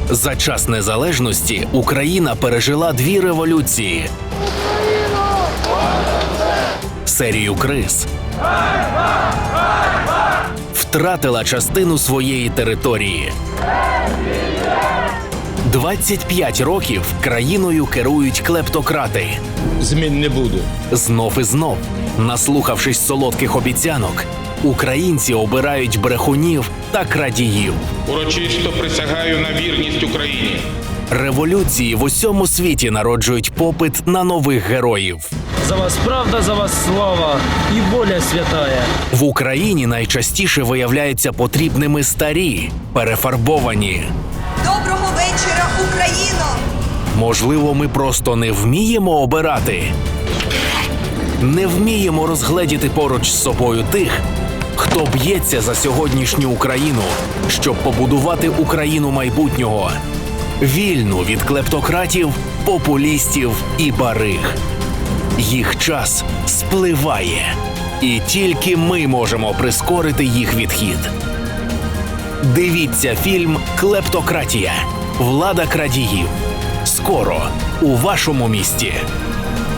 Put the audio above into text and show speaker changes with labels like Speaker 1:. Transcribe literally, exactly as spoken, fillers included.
Speaker 1: За час незалежності Україна пережила дві революції, серію криз, втратила частину своєї території. двадцять п'ять років країною керують клептократи.
Speaker 2: Змін не буде.
Speaker 1: Знов і знов, наслухавшись солодких обіцянок, українці обирають брехунів та крадіїв.
Speaker 2: Урочисто присягаю на вірність Україні.
Speaker 1: Революції в усьому світі народжують попит на нових героїв.
Speaker 3: За вас правда, за вас слава і воля святая.
Speaker 1: В Україні найчастіше виявляються потрібними старі, перефарбовані.
Speaker 4: Доброго вечора, Україно!
Speaker 1: Можливо, ми просто не вміємо обирати. Не вміємо розгледіти поруч з собою тих, хто б'ється за сьогоднішню Україну, щоб побудувати Україну майбутнього. Вільну від клептократів, популістів і бариг. Їх час спливає. І тільки ми можемо прискорити їх відхід. Дивіться фільм «Клептократія. Влада крадіїв». Скоро у вашому місті.